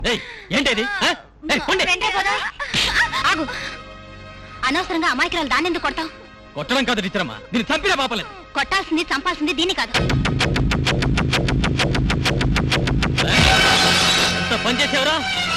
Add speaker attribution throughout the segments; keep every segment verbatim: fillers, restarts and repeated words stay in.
Speaker 1: ఏంటది?
Speaker 2: అనవసరంగా అమాయకురాలు దాన్ని ఎందుకు కొడతావు?
Speaker 1: కొట్టడం కాదు టీచరమ్మా, దీన్ని చంపినా పాపలేదు.
Speaker 2: కొట్టాల్సింది చంపాల్సింది దీన్ని కాదు.
Speaker 1: ఎంత పని చేసేవరా?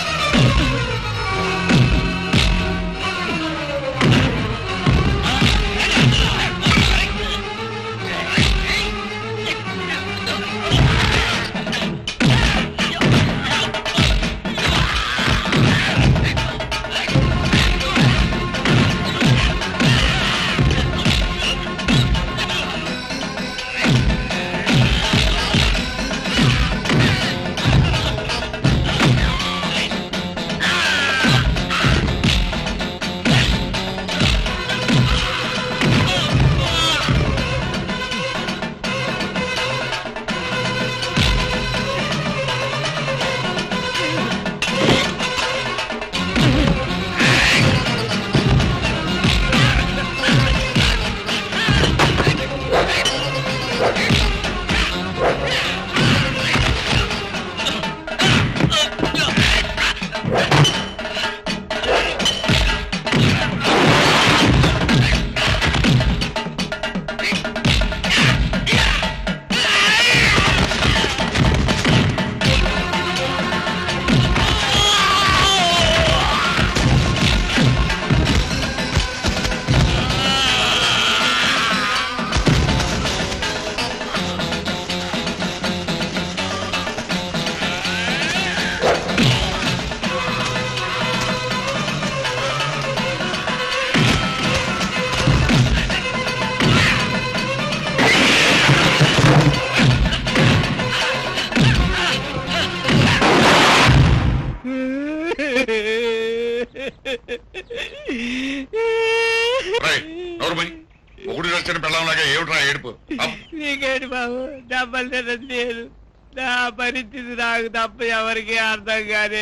Speaker 3: ఒకటి వచ్చిన పిల్లలాగా ఏమిట్రా ఏడుపు?
Speaker 4: నీకేంటి బాబు, డబ్బలు లేదు, నా పరిస్థితి నాకు తప్ప ఎవరికి అర్థం కాదు.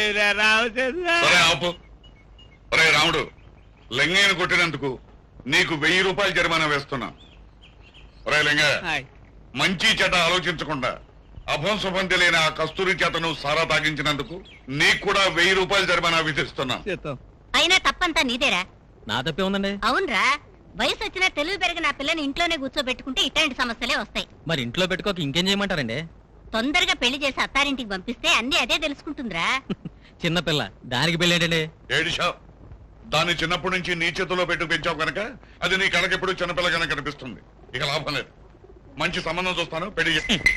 Speaker 3: ఆపు. ఒరే రాముడు, లింగయ్యను కొట్టినందుకు నీకు వెయ్యి రూపాయలు జరిమానా వేస్తున్నా. ఒరే లింగ, మంచి చెడ్డ ఆలోచించకుండా అభం శుభం తెలియని ఆ కస్తూరి చేతను సారా తాగించినందుకు నీకు కూడా వెయ్యి రూపాయలు జరిమానా విధిస్తున్నా.
Speaker 2: అయినా తప్పంతా నీదేరా?
Speaker 1: నా తప్పే ఉందండి.
Speaker 2: అవునరా, వయసు వచ్చినా తెలుగు పెరిగిన ఆ పిల్లని ఇంట్లోనే కూర్చోబెట్టుకుంటే ఇట్లాంటి సమస్యలే వస్తాయి.
Speaker 1: మరి ఇంట్లో పెట్టుకోక ఇంకేం చేయమంటారండి?
Speaker 2: తొందరగా పెళ్లి చేసి అత్తారింటికి పంపిస్తే అన్ని అదే తెలుసుకుంటుందిరా.
Speaker 1: చిన్నపిల్ల, దానికి పెళ్లి ఏంటండి?
Speaker 3: ఏడిషా, దాన్ని చిన్నప్పటి నుంచి నీ చేతిలో పెట్టు పెంచావు కనుక అది నీ కళ్ళకెప్పుడు చిన్నపిల్ల కనుక కనిపిస్తుంది. ఇక లాభం లేదు. మంచి సంబంధం చూస్తాను, పెళ్లి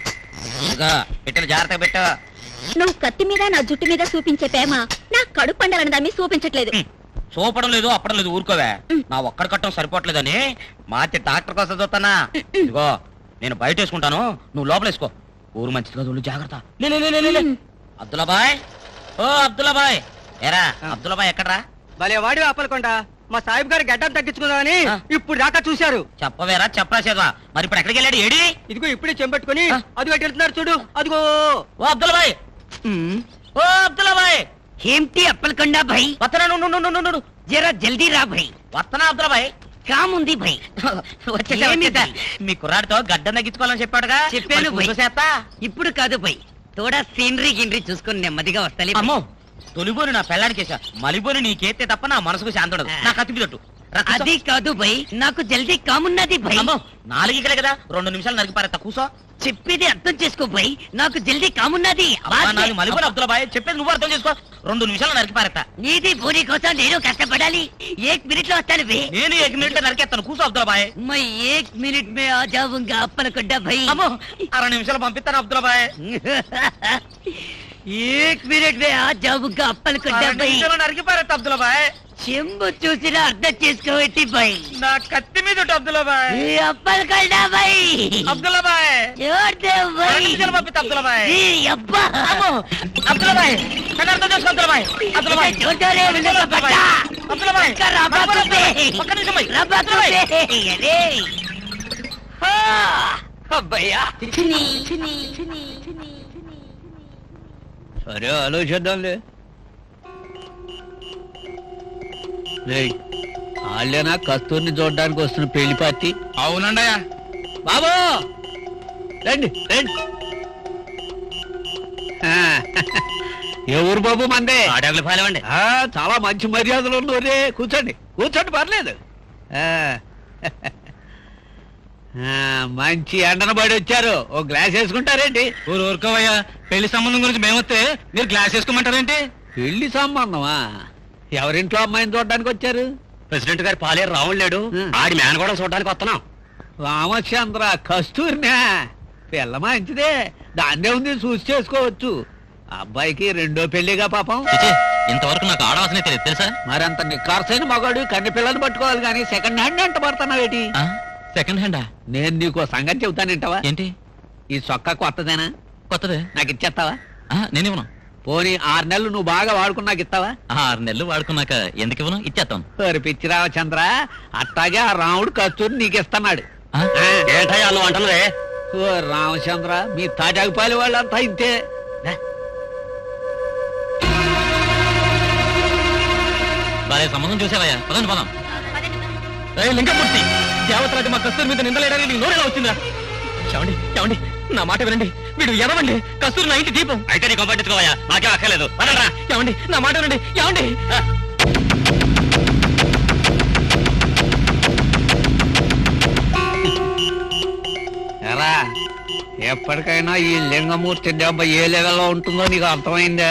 Speaker 5: పెట్టిన జాగ్రత్తగా పెట్ట.
Speaker 2: నువ్వు కత్తి మీద నా జుట్టు మీద చూపించే ప్రేమ నా కడుపు పండాలని దాన్ని చూపించట్లేదు.
Speaker 5: చూపడం లేదు, అప్పడం లేదు, ఊరుకోవే. నా ఒక్కడి కట్టం సరిపోవట్లేదని మార్చి డాక్టర్ కోసం చూస్తానా. ఇదిగో నేను బయట వేసుకుంటాను, నువ్వు లోపల వేసుకో. ఊరు మంచిది కదా, జాగ్రత్త. అబ్దుల్లాబాయ్, ఓ అబ్దుల్లాబాయ్. ఏరా అబ్దుల్లాబాయ్ ఎక్కడరా?
Speaker 4: భలే వాడి ఆపలకొండ, మా సాహిబ్ గారు గడ్డం తగ్గించుకుందామని ఇప్పుడు దాకా చూశారు.
Speaker 5: చెప్పవేరా, చెప్పరాసేదా? మరి ఇప్పుడు ఎక్కడికి వెళ్ళాడు? ఏడి?
Speaker 4: ఇదిగో ఇప్పుడే చెంపెట్టుకుని అది వెళ్తున్నారు చూడు, అదిగో.
Speaker 5: ఓ అబ్దుల్లాబాయ్, ఓ అబ్దుల్లాబాయ్.
Speaker 6: ఏంటి అప్పలకొండ భాయ్?
Speaker 5: వత్తనా,
Speaker 6: జరా జల్దీ రా భాయ్.
Speaker 5: వత్తనా అబ్దుల్లాబాయ్.
Speaker 6: కాముంది భాయ్.
Speaker 5: వచ్చేసా మీ కుర్రాడితో గడ్డం తగ్గించుకోవాలని చెప్పాడుగా.
Speaker 6: చెప్పాను భాయ్. ఇప్పుడు కాదు భాయ్, తోడా సీనరీ గినరీ చూసుకొని నెమ్మదిగా వస్తాలి.
Speaker 5: అమ్మో, తొలిబోని నా పెళ్ళానికేసా, మలిబోని నీకేస్తే తప్ప నా మనసుకు శాంతి ఉండదు. నా కత్తిపిదట్టు.
Speaker 6: అది కాదు భాయ్, నాకు జల్దీ కామున్నది భాయ్.
Speaker 5: అమ్మో, నాలుగికలే కదా, రెండు నిమిషాలు నరికి పారేస్తా, కూసో.
Speaker 6: చెప్పేది అర్థం చేసుకో భాయ్, నాకు జల్దీ కామున్నది.
Speaker 5: మలిబోని అబ్దుల్లాబాయ్, చెప్పేది నువ్వు అర్థం చేసుకో. రెండు నిమిషాలు నరికి పారేస్తా.
Speaker 6: నీది బోని కోసం నేను కష్టపడాలి. ఏక్ మినిట్ లో వస్తాను భాయ్.
Speaker 5: నేను ఏక్ మినిట్ లో నరికేస్తాను, కూసో అబ్దుల్లాబాయ్.
Speaker 6: మై ఏక్ మినిట్ మే ఆ జాऊंगा అప్పలకొండ భాయ్.
Speaker 5: అమ్మో, అర నిమిషాలు పంపిస్తాను అబ్దుల్లాబాయ్.
Speaker 6: ఏక్ మినిట్ మే ఆ జాऊंगा అప్పలకొండ భాయ్.
Speaker 5: నరికి పారేస్తా అబ్దుల్లాబాయ్.
Speaker 6: చెంబు చూసినా అర్థం చేసుకోవట్టి భాయ్.
Speaker 5: నా కత్తి మీద అబ్దుల్లాబాయ్.
Speaker 6: అప్పలకొండ భాయ్.
Speaker 5: అబ్దుల్లాబాయ్, పంపిస్తా అబ్దుల్లాబాయ్. అబ్దుల్లాబాయ్, నన్ను అర్థం చేసుకో అబ్దుల్లాబాయ్. అబ్దుల్లాబాయ్, అబ్దుల్లాబాయ్, ఒక్క నిమిషం భయ్.
Speaker 6: అబ్బయ్యా,
Speaker 4: సరే ఆలోచిద్దాంలే. వాళ్ళేనా కస్తూరిని చూడడానికి వస్తున్న పెళ్లి పార్టీ?
Speaker 1: అవునండి
Speaker 4: బాబు, రండి రండి. ఏ ఊరు బాబు మందే
Speaker 5: ఆడగలు పాలేవండి.
Speaker 4: ఆ, చాలా మంచి మర్యాదలు ఉన్నోరే. కూర్చోండి కూర్చోండి పర్లేదు. ఆ, ఆ, మంచి ఎండన పడి వచ్చారు. ఓ గ్లాస్ వేసుకుంటారేంటి?
Speaker 1: ఊరు ఊరుకోవయ్యా, పెళ్లి సంబంధం గురించి మేమొస్తే మీరు గ్లాస్ వేసుకోమంటారేంటి?
Speaker 4: పెళ్లి సంబంధమా? ఎవరింట్లో అమ్మాయిని చూడడానికి వచ్చారు?
Speaker 5: ప్రెసిడెంట్ గారు పాలేరు రావుడు లేడు,
Speaker 4: ఉం.
Speaker 5: ఆడి మేన కూడా చూడడానికి వస్తున్నాం.
Speaker 4: రామచంద్ర కస్తూరినా? పిల్ల మంచిదే, దాన్నే ఉంది, చూసి చేసుకోవచ్చు. అబ్బాయికి రెండో పెళ్లిగా పాపం.
Speaker 1: చిచి, ఇంతవరకు నాకు ఆడవాసనే తెలియదు తెలుసా?
Speaker 4: మరంత నిఖార్సైన మగాడు కన్ని పిల్లలు పట్టుకోవాలి కానీ సెకండ్ హ్యాండ్ అంట పడుతున్నావేటి?
Speaker 1: ఆ? సెకండ్ హ్యాండా?
Speaker 4: నేను నీకు ఓ సంగతి చెబుతానంటావా?
Speaker 1: ఏంటి?
Speaker 4: ఈ చొక్కా కొత్తదేనా?
Speaker 1: కొత్తదే.
Speaker 4: నాకు ఇచ్చేస్తావా?
Speaker 1: ఆ, నేనివ్వను.
Speaker 4: పోనీ ఆరు నెలలు నువ్వు బాగా వాడుకున్నాక ఇస్తావా?
Speaker 1: ఆరు నెలలు వాడుకున్నాక ఎందుకు ఇవ్వను? ఇచ్చేస్తాను.
Speaker 4: ఓరి పిచ్చి రామచంద్ర, అట్టాగే ఆ రాముడు కస్తూరి నీకు ఇస్తున్నాడు.
Speaker 1: ఆ?
Speaker 5: ఏంటయ్యా నువ్వు అంటున్నదే?
Speaker 4: ఓ రామచంద్ర, మీ తాజాగుపాలి వాళ్ళంతా ఇంతే.
Speaker 1: బాలే సంబంధం చూసావయ్యా, పదండి పదం. ఏ లింగమూర్తి, దేవతరాజు మా కస్తూరి మీద నిందలేయడానికి నీకు నోరేలా వచ్చిందా? చెవండి చెవండి, నా మాట వినండి. వీడు ఎదవండి, కస్తూరి నా ఇంటి దీపం.
Speaker 5: అయితే నీకు పట్టించుకోవయ్యా, నాకేం అక్కర్లేదు. పదండ్రా.
Speaker 1: ఏమండి, నా మాట వినండి. ఏమండి?
Speaker 4: ఎరా, ఎప్పటికైనా ఈ లింగమూర్తి దెబ్బ ఏ లెవెల్లో ఉంటుందో నీకు అర్థమైందా?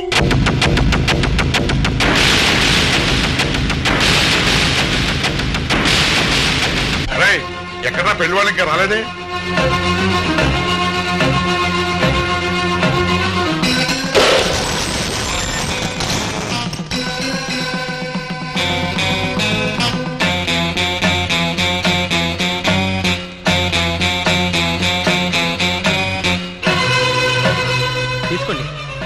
Speaker 3: అరే ఎక్కడా పెళ్లి వాళ్ళు ఇంకా రాలేదే?
Speaker 1: తీసుకోండి.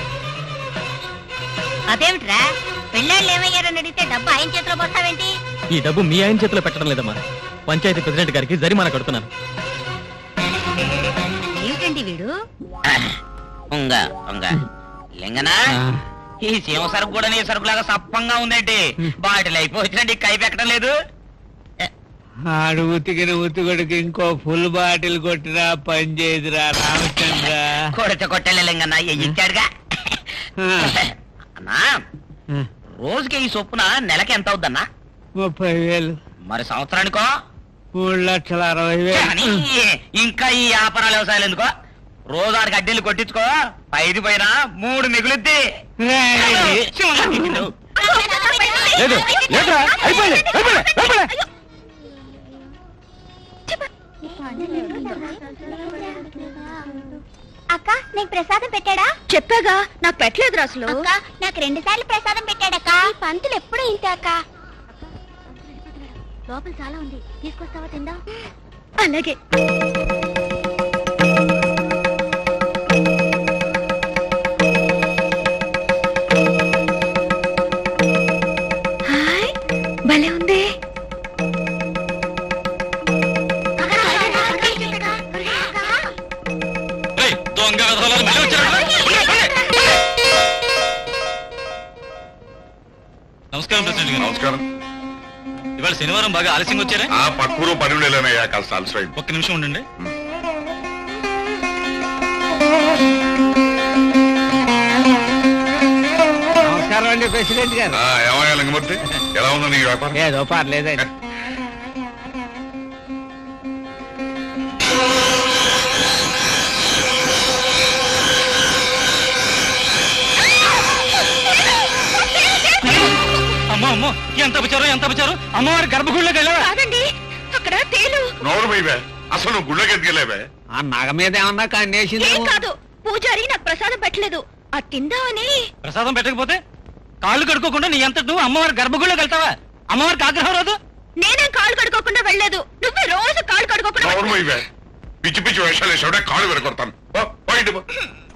Speaker 2: అదేమిట్రా, పెళ్ళాళ్ళు ఏమయ్యారని అడిగితే డబ్బు ఆయన చేతిలో పోస్తావేంటి?
Speaker 1: ఈ డబ్బు మీ ఆయన చేతిలో పెట్టడం లేదమ్మా, పంచాయతీ ప్రెసిడెంట్ గారికి జరిమానా కడుతున్నాను.
Speaker 2: ఏమిటండి వీడు?
Speaker 5: ఉంగ ఉంగ లింగనా, ఈ సీమ సరుకు కూడా నీ సరుకులాగా సప్పంగా ఉందేంటి? బాటిల్ అయిపోయిందండి, కై పెట్టడం లేదు.
Speaker 4: ఆడు ఉతికిన ఉతికొడికి ఇంకో ఫుల్ బాటిల్ కొట్టినా పని చేయదురా రామచంద్ర.
Speaker 5: కొడితే కొట్టలే లింగన్నా, ఇచ్చాడుగా. అన్నా, రోజుకి ఈ చొప్పున నెలకి ఎంత అవుద్దన్నా?
Speaker 4: ముప్పై వేలు.
Speaker 5: మరి సంవత్సరానికో?
Speaker 4: మూడు లక్షల అరవై
Speaker 5: కానీ
Speaker 4: వేలు.
Speaker 5: ఇంకా ఈ వ్యాపారాలు వ్యవసాయాలు ఎందుకో? రోజు ఆడికి అడ్డీలు కొట్టించుకో, ఐదు పైన మూడు మిగులుద్ది.
Speaker 4: రేయ్.
Speaker 1: లేదు లేదురా, అయిపోయింది అయిపోయింది అయిపోయింది.
Speaker 2: అక్క, నీకు ప్రసాదం పెట్టాడా? చెప్పాగా, నాకు పెట్టలేదు అసలు. అక్క, నాకు రెండు సార్లు ప్రసాదం పెట్టాడక్క. పంతులు ఎప్పుడు ఇంతే అక్క. లోపల చాలా ఉంది, తీసుకొస్తావా తిందా? అలాగే. హాయ్, భలే ఉంది.
Speaker 1: ఏయ్, దొంగ వెధవలారా, మళ్ళీ వచ్చారా? నమస్కారం ప్రెసిడెంట్ గారు.
Speaker 3: నమస్కారం.
Speaker 1: ఇవాళ శనివారం బాగా ఆలస్యంగా వచ్చారా?
Speaker 3: ఆ పక్కూరు పని వెళ్ళానయ్యా, కాస్త అలసిపోయింది.
Speaker 1: ఒక్క నిమిషం ఉండండి.
Speaker 4: నమస్కారం అండి ప్రెసిడెంట్ గారు.
Speaker 3: ఆ, ఏమయ్యా లింగమూర్తి, ఎలా ఉందో నీ వ్యాపారం?
Speaker 4: ఏదో పర్లేదండి.
Speaker 1: అమ్మో అమ్మో, ఎంత అపచారం ఎంత అపచారం! అమ్మవారి గర్భగుడిలోకి వెళ్ళావా?
Speaker 2: కాదండి, అక్కడ తేలు.
Speaker 3: నోరు పోయివే, అసలు నువ్వు గుళ్ళకి ఎదిగలేవే?
Speaker 4: ఆ నగ మీద ఏమన్నా కన్నేసింది?
Speaker 2: ఏం కాదు, పూజారి నాకు ప్రసాదం పెట్టలేదు. ఆ తిందామని.
Speaker 1: ప్రసాదం పెట్టకపోతే కాళ్ళు కడుక్కోకుండా నీ అంతటి నువ్వు అమ్మవారి గర్భగుడిలోకి వెళ్తావా? అమ్మవారికి ఆగ్రహం రాదు?
Speaker 2: నేనేం కాళ్ళు కడుక్కోకుండా వెళ్ళలేదు. నువ్వే రోజు కాళ్ళు కడుక్కోకుండా
Speaker 3: నోరు పోయివే, పిచ్చి పిచ్చి వేషాలు వేసావుడే, కాళ్ళు విరగొడతాను. పో, పో ఇంటి పో.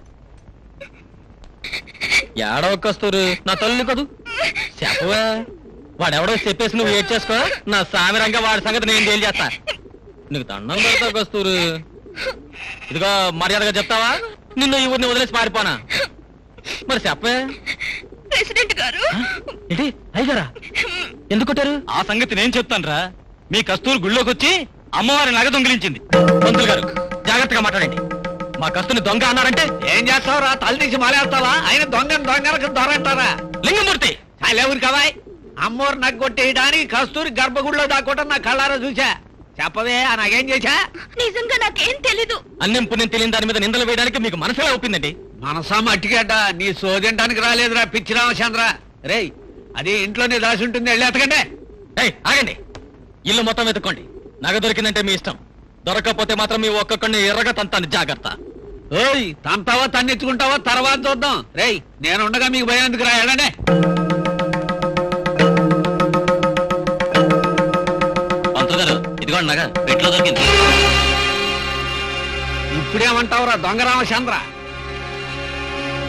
Speaker 1: ఏడవ కస్తూరు, నా తల్లి కదూ చెప్పవా? వాడెవడో చెప్పేసి నువ్వు ఏడ్ చేసుకో, నా సామిరంగా వాడి సంగతి నేను డీల్ చేస్తా. నీకు దండం పెడతా కస్తూరు. ఇదిగో మర్యాదగా చెప్తావా, నిన్ను ఈ ఊరిని వదిలేసి పారిపోనా? మరి చెప్పే.
Speaker 2: ప్రెసిడెంట్ గారు.
Speaker 1: ఏంటి అయ్యారా? ఎందుకు కొట్టారు? ఆ సంగతి నేను చెప్తాను రా. మీ కస్తూరు గుళ్ళోకి వచ్చి అమ్మవారి నగ దొంగిలించింది. పంతులు గారు జాగ్రత్తగా మాట్లాడండి. మా కస్తుని దొంగ అన్నారంటే
Speaker 4: ఏం చేస్తావురా తల తీసి మాలేస్తావా ఆయన దొంగను దొంగలకు దొరంటారా
Speaker 1: లింగమూర్తి
Speaker 4: చాలేవురు కవాయ్ అమ్మోరు నగ్గు కొట్టేయడానికి కస్తూరి గర్భగుడిలో దాక్కోవటం నా కళ్ళారా చూసా చెప్పవే ఆ నాకేం చేశా
Speaker 2: నిజంగా నాకేం తెలీదు.
Speaker 1: అన్నం పుణ్యం తెలియని దాని మీద నిందలు వేయడానికి మీకు మనసులా ఒప్పిందండి.
Speaker 4: మనసా మట్టిగడ్డ నీ సోదింటానికి రాలేదురా పిచ్చి రామచంద్ర. రేయ్ అది ఇంట్లోనే దాసి ఉంటుంది వెళ్ళి ఎతకండి.
Speaker 1: ఏయ్ ఆగండి, ఇల్లు మొత్తం వెతుక్కోండి. నగ దొరికిందంటే మీ ఇష్టం, దొరకకపోతే మాత్రం మీ ఒక్కొక్కడిని ఎర్రగా తంతాను, జాగ్రత్త.
Speaker 4: ఓయ్ తంతావా తన్నెత్తుకుంటావా తర్వాత చూద్దాం. రేయ్ నేను ఉండగా మీకు భయం ఎందుకు రా వెళ్ళండి.
Speaker 1: పంతులు గారు ఇదిగోండి నగ పెట్లో దొరికింది.
Speaker 4: ఇప్పుడేమంటావురా దొంగ రామచంద్ర?